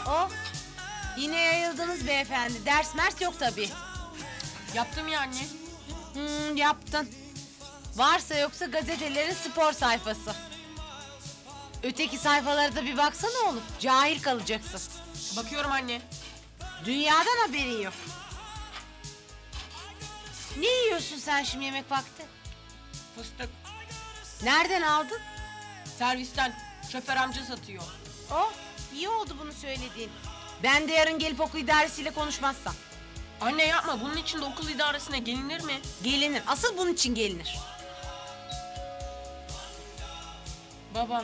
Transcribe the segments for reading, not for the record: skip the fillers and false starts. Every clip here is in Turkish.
Oh, yine yayıldınız beyefendi. Ders mers yok tabii. Yaptım ya anne. Yaptın. Varsa yoksa gazetelerin spor sayfası. Öteki sayfalara da bir baksana oğlum. Cahil kalacaksın. Bakıyorum anne. Dünyadan haberin yok. Ne yiyorsun sen şimdi yemek vakti? Fıstık. Nereden aldın? Servisten. Şoför amca satıyor. Oh, iyi oldu bunu söylediğin. Ben de yarın gelip okul idaresiyle konuşmazsam. Anne yapma. Bunun için de okul idaresine gelinir mi? Gelinir. Asıl bunun için gelinir. Babam.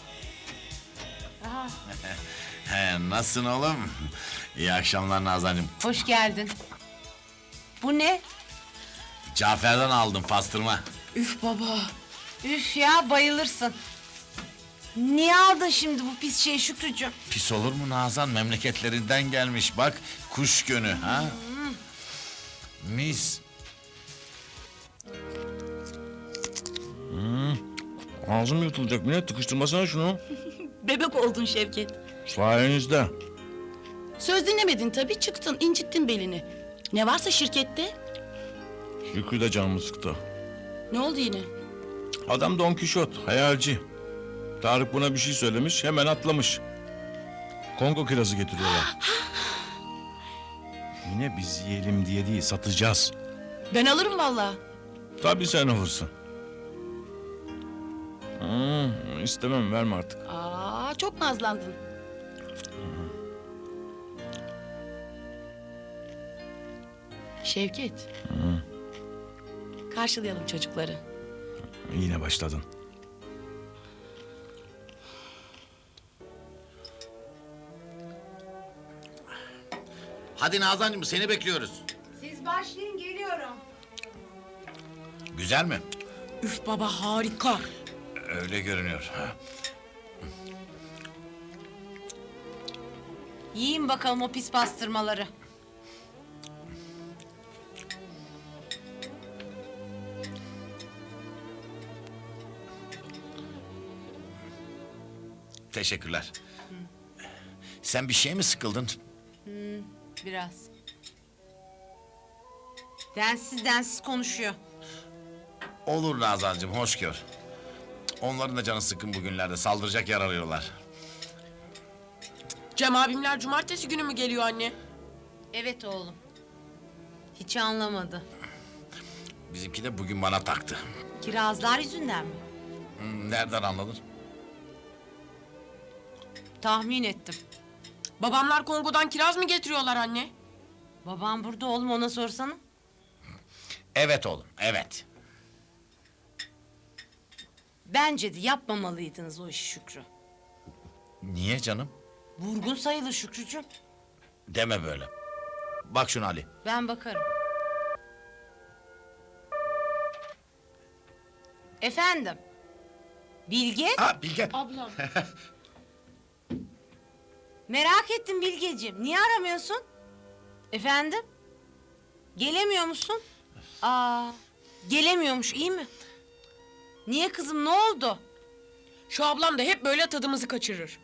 Aha, Nasılsın oğlum? İyi akşamlar Nazancığım. hoş geldin. Bu ne? Cafer'den aldım pastırma. Üf baba. Üf ya, bayılırsın. Niye aldın şimdi bu pis şeyi Şükrücüğüm? Pis olur mu Nazan? Memleketlerinden gelmiş bak. Kuş gönü ha? Mis. Ağzım yutulacak Mine, tıkıştırmasana şunu. Bebek oldun Şevket. Sayenizde. Söz dinlemedin tabii, çıktın, incittin belini. Ne varsa şirkette. Şükrü de canımı sıktı. Ne oldu yine? Adam Don Kişot, hayalci. Tarık buna bir şey söylemiş, hemen atlamış. Kongo kirazı getiriyorlar. Yine biz yiyelim diye değil, satacağız. Ben alırım vallahi. Tabii sen alırsın. İstemem, verme artık. Aa, çok nazlandın. Şevket. Karşılayalım çocukları. Yine başladın. Hadi Nazancığım seni bekliyoruz. Siz başlayın, geliyorum. Güzel mi? Üf baba harika. Öyle görünüyor. Ha. Yiyin bakalım o pis pastırmaları. Teşekkürler. Sen bir şey mi sıkıldın? Biraz. Densiz konuşuyor. Olur Nazancığım, hoş gör. Onların da canı sıkkın bugünlerde, saldıracak yer arıyorlar. Cem abimler cumartesi günü mü geliyor anne? Evet oğlum. Hiç anlamadı. Bizimki de bugün bana taktı. Kirazlar yüzünden mi? Nereden anladın? Tahmin ettim. Babamlar Kongo'dan kiraz mı getiriyorlar anne? Babam burada oğlum, ona sorsana. Evet oğlum, evet. Bence de yapmamalıydınız o işi Şükrü. Niye canım? Vurgun sayılır Şükrücüğüm. Deme böyle. Bak şuna Ali. Ben bakarım. Efendim? Bilge? Ha Bilge. Ablam. Merak ettim Bilgeciğim. Niye aramıyorsun? Efendim? Gelemiyor musun? Aa, gelemiyormuş, iyi mi? Niye kızım, ne oldu? Şu ablam da hep böyle tadımızı kaçırır.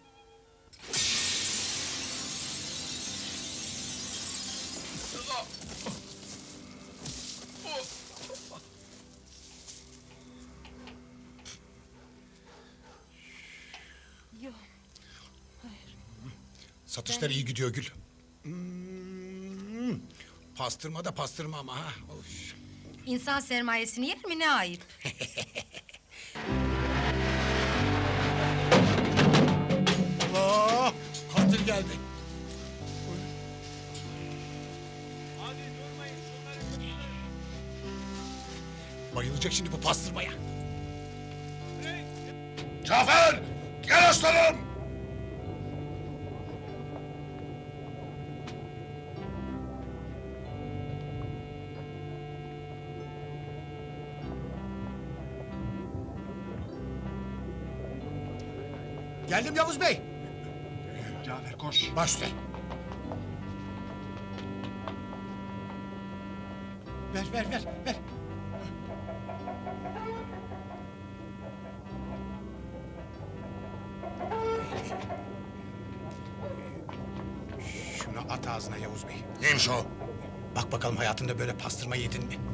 Satışlar iyi gidiyor Gül. Pastırma da pastırma ama ha. Of. İnsan sermayesini yer mi, ne ayıp? Allah! Katil geldi. Bayılacak şimdi bu pastırmaya. Cafer! Gel aslanım! Geldim Yavuz Bey. Cafer koş. Baş üstüne. Ver. at ağzına Yavuz Bey. Neymiş o? Bak bakalım hayatında böyle pastırma yedin mi?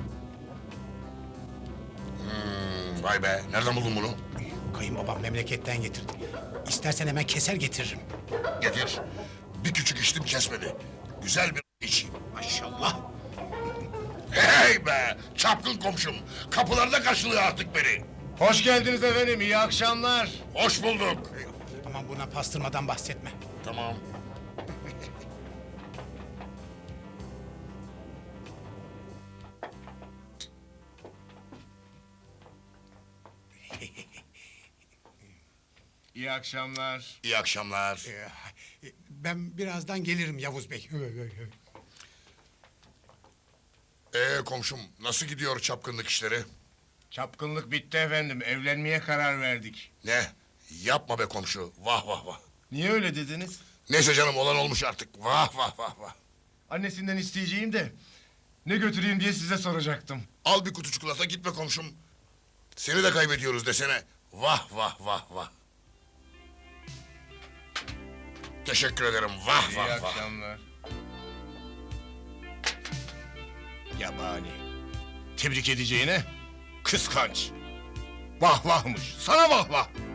Vay be, nereden buldun bunu? Kayınbabam memleketten getirdi. İstersen hemen keser getiririm. Getir. Bir küçük içtim kesmedi. Güzel bir içeyim. Maşallah. Hey be, çapkın komşum. Kapılarda karşılıyor artık beni. Hoş geldiniz efendim, iyi akşamlar. Hoş bulduk. Aman buna pastırmadan bahsetme. Tamam. İyi akşamlar. İyi akşamlar. Ben birazdan gelirim Yavuz Bey. Komşum, nasıl gidiyor çapkınlık işleri? Çapkınlık bitti efendim, evlenmeye karar verdik. Ne? Yapma be komşu. Vah vah vah. Niye öyle dediniz? Neyse canım, olan olmuş artık. Vah vah vah vah. Annesinden isteyeceğim de ne götüreyim diye size soracaktım. Al bir kutu çikolata, gitme komşum. Seni de kaybediyoruz desene. Vah vah vah vah. Teşekkür ederim. Vah İyi vah vah. akşamlar. Yabani. Tebrik edeceğine kıskanç. Vah vahmış. Sana vah vah.